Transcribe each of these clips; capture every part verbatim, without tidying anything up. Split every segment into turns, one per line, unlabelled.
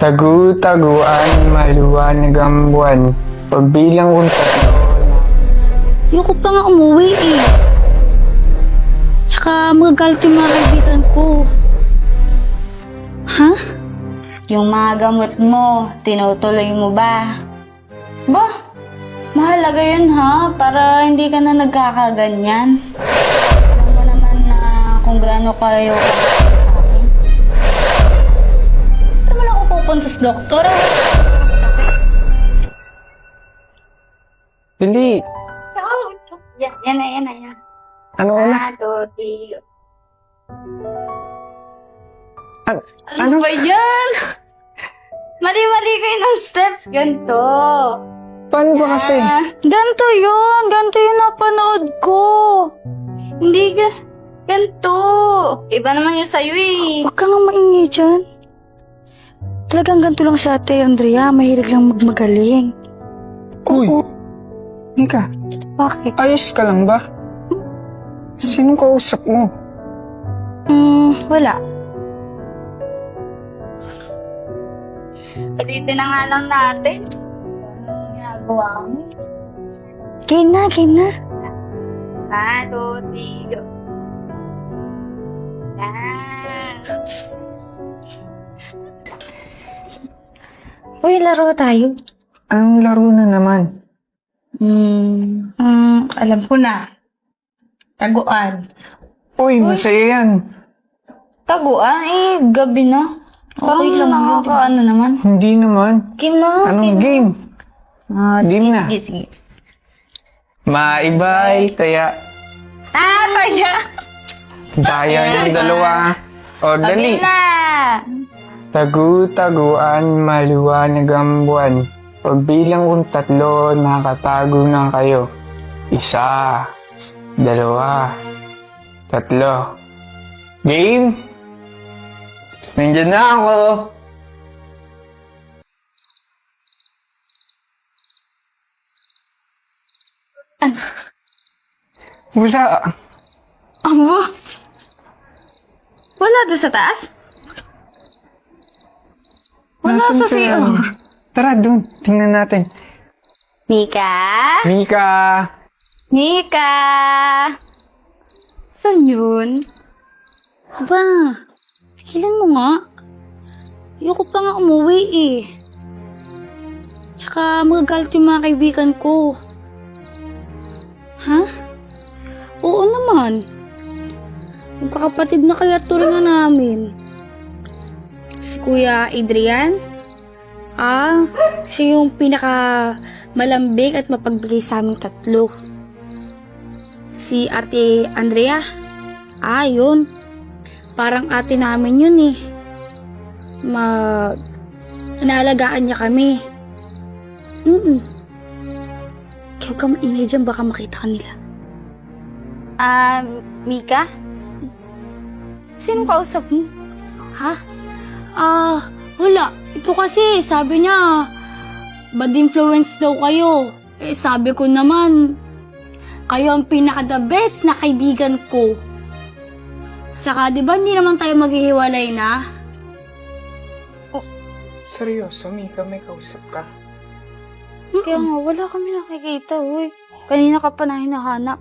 Tagu-taguan, maliwanag ang buwan. Pagbilang kong tatlo.
Ayoko pa nga umuwi eh. Tsaka magagalit yung mga kaibigan ko. Ha?
Yung mga gamot mo, tinutuloy mo ba? Ba, mahalaga yun ha, para hindi ka na nagkakaganyan. Alam mo naman na kung gaano kayo sa akin.
Ito naman ako pupunta sa doktor.
Dali!
Yan, yan na, yan na, yan.
Ano na?
Ah, Toti.
An
Ano
ano?
ba yan? Mali-mali kayo ng steps, ganito.
Paano ba kasi?
Ah,
Ganto yun. Ganto yung napanood ko.
hindi ka, ganito. Iba naman yun sa'yo eh.
Huwag ka nga maingay dyan. Talagang ganito lang si Ate Andrea. Mahilig lang magmagaling.
Uy! Mika,
Bakit?
ayos ka lang ba? Sinong kausap mo?
Hmm, wala.
Palitin na nga lang natin. Anong ginagawa mo?
Game na, game na.
Ah, Toti. Yan.
Uy, laro tayo.
Anong laro na naman?
Hmm, hmm, alam ko na. Taguan.
Uy, masaya yan.
Taguan eh, gabi na. Parang
Okay lang yun.
nakakaano naman.
Hindi naman.
Game na.
Anong game?
Ah,
Game
sige,
na.
sige, sige.
Maibay, taya.
Ah, taya!
Tayo yung dalawa. O, dali.
Sabi na!
Tagu-taguan, maliwanag ang buwan. Pagbilang kong tatlo, nakatago na kayo. Isa, dalawa, tatlo. Game? Nandyan na ako. Wala.
Amo? Wala doon sa taas? Wala
Nasaan
sa
ka?
C O.
Tara, dun. Tingnan natin.
Mika?
Mika!
Mika! Saan yun?
Ba, tigilan mo nga. Ayoko pa nga umuwi eh. Tsaka magagalit yung mga kaibigan ko. Ha? Oo naman. Magkakapatid na kaya turingan namin. Si Kuya Adrian? Ah, siya yung pinaka malambing at mapagbigay sa aming tatlo. Si Ate Andrea? Ah, yun. Parang ate namin yun eh. Mag... Naalagaan niya kami. Mm-mm. Kaya huwag kang maingay dyan, baka makita ka nila.
Ah, Mika? Sino kausap mo?
Ha? Ah, wala. Ito kasi, sabi niya, bad influence daw kayo. Eh, sabi ko naman, kayo ang pinaka-the best na kaibigan ko. Tsaka, di ba, hindi naman tayo maghihiwalay na?
Seryoso, Mika, may kausap ka?
Kaya nga, wala kami nakikita, uy. Kanina ka pa na hinahanap.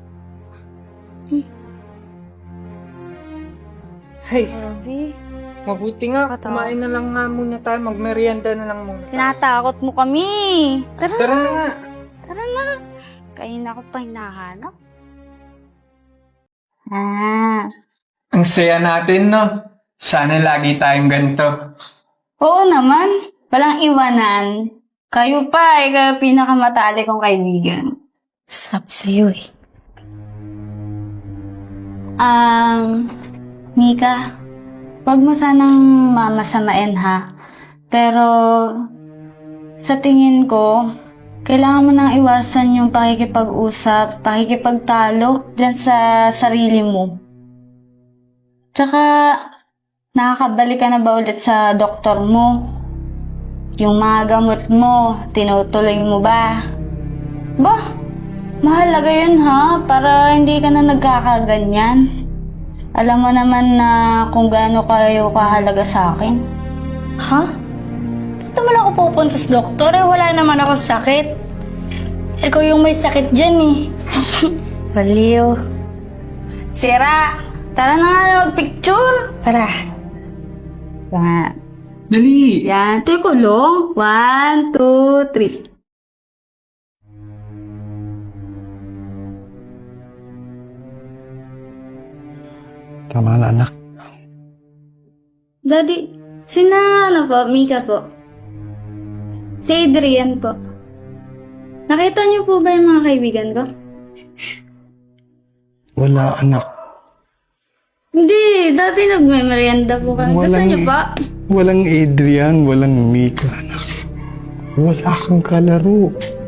Hey,
Grabe.
mabuti nga.
Katawa.
Kumain na lang nga muna tayo. Magmerienda na lang muna tayo.
Tinatakot mo kami. Tara,
Tara na nga.
tara na. Kanina ko pa hinahanap. Ah.
Ang saya natin, no? Sana lagi tayong ganito.
Oo naman. Walang iwanan. Kayo pa, ikaw pinakamatali kong kaibigan.
Sabi sa'yo eh.
Um, Mika, wag mo sanang mamasamain ha. Pero, sa tingin ko, kailangan mo nang iwasan yung pakikipag-usap, pakikipagtalo dyan sa sarili mo. Tsaka, nakakabalik ka na ba ulit sa doktor mo? Yung mga gamot mo, tinutuloy mo ba? Ba, mahalaga yun ha, para hindi ka na nagkakaganyan. Alam mo naman na kung gaano kayo kahalaga sa akin.
Ha? pupunta sa doktor? Eh, wala naman ako sakit. Ikaw yung may sakit dyan eh. Baliw. Sira, tara na nga mag-picture. Tara. Nga.
Dali!
Yan, ito yung kulong. One, two, three.
Tama na, anak.
Daddy, sina ano po, Mika po? Si Adrian po. Nakita niyo po ba yung mga kaibigan ko?
Wala, anak.
Hindi, dati nagme-merienda po kami. Gusto
Walang-
niyo pa?
Walang Adrian, walang Mika, anak. Wala kang kalaro.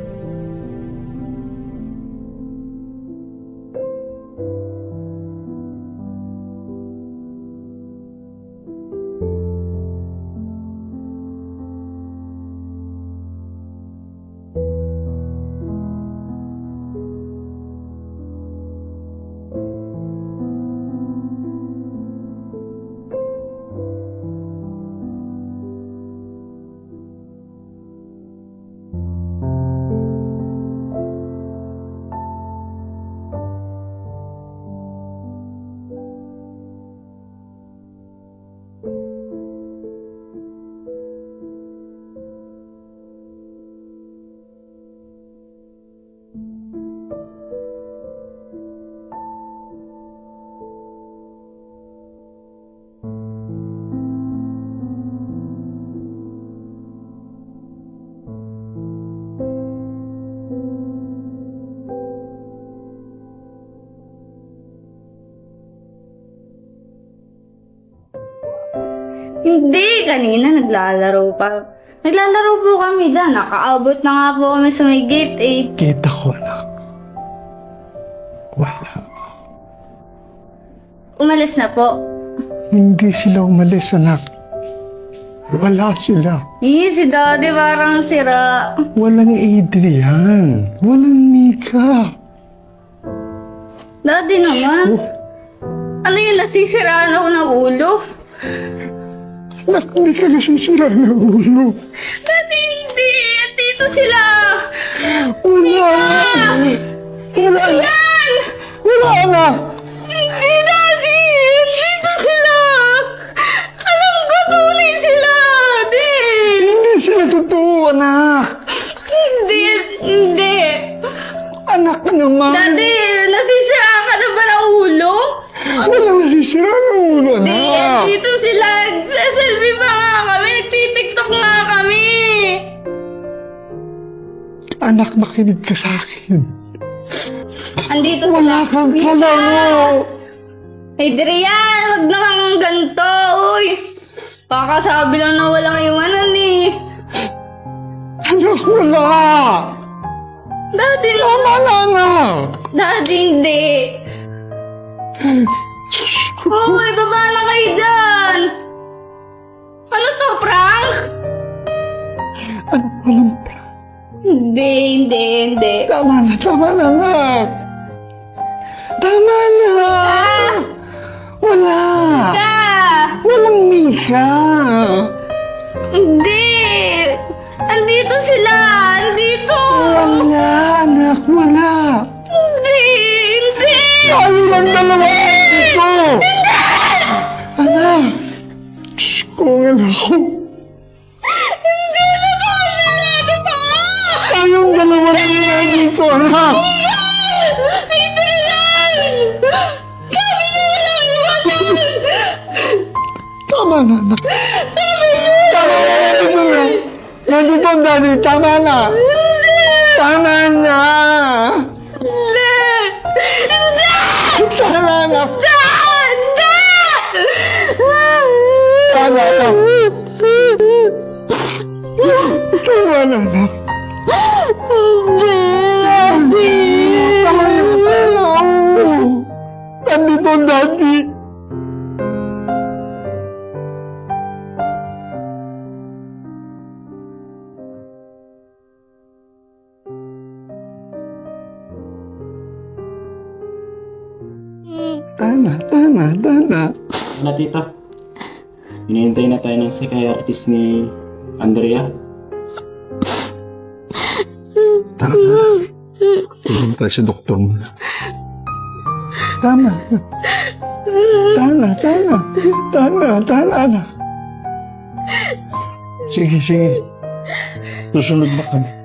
Hindi, kanina naglalaro pa. Naglalaro po kami dyan. Nakaabot na nga po kami sa may gate eh.
Kita ko, anak. Wala.
Umalis na po.
Hindi sila umalis, anak. Wala sila.
Eh, si Daddy parang sira.
Walang Adrian. Walang Mika.
Daddy naman. Ano yun, nasisiraan ako ng ulo?
Anak, hindi ka nasisira ng ulo.
Daddy, hindi. Dito sila.
Wala. Wala, anak.
Yan!
Wala, anak.
Hindi, Daddy. Dito sila. Alam ko, tunay sila. Daddy.
Hindi sila totoo, anak.
Hindi, hindi.
Anak naman.
Daddy, nasisiraan ka na ba ng ulo?
Walang nasisira ng ulo,
Hindi,
anak.
dito sila. Sa selfie pa nga kami. Nagtitiktok nga kami.
Anak, makinig ka sa akin.
Andito
Wala
sila.
kang
Mika!
kalaro.
Adrian, wag na kang ganito. Uy, pakasabi lang na walang iwanan eh.
Anak, wala.
Daddy,
Tama na, anak.
Daddy, hindi. Uy, baba na kayo dyan. Ano to, prank?
Anak, walang pra.
Hindi, hindi, hindi.
Tama na, tama na, anak. Tama na. Wala.
Ka!
Walang Mika.
Hindi! Andito sila! Andito!
Wala, anak, wala.
Hindi! Hindi!
Tayo lang dalawa dito. Anak. Diyos ko, anak ko.
Hindi na ba sila! Totoo!
Tayong dalawa lang dito, anak.
Adrian! Sabi niyo walang iwanan!
Tama na, anak. Tama na, nandito na. Nandito ang daddy, tama na. Tama na.
Hindi! Hindi!
Tama na.
Hindi!
Tama na. Tama na, anak.
Hindi!
Tama na. Nandito ang daddy. Tama, tama, tama.
Na tita, hinihintay na tayo ng psychiatrist ni Andrea.
Tama. Tulong tayo sa doktor mo. Tama. Tama, tama. Tama, tama na. Sige, sige. Susunod na kami.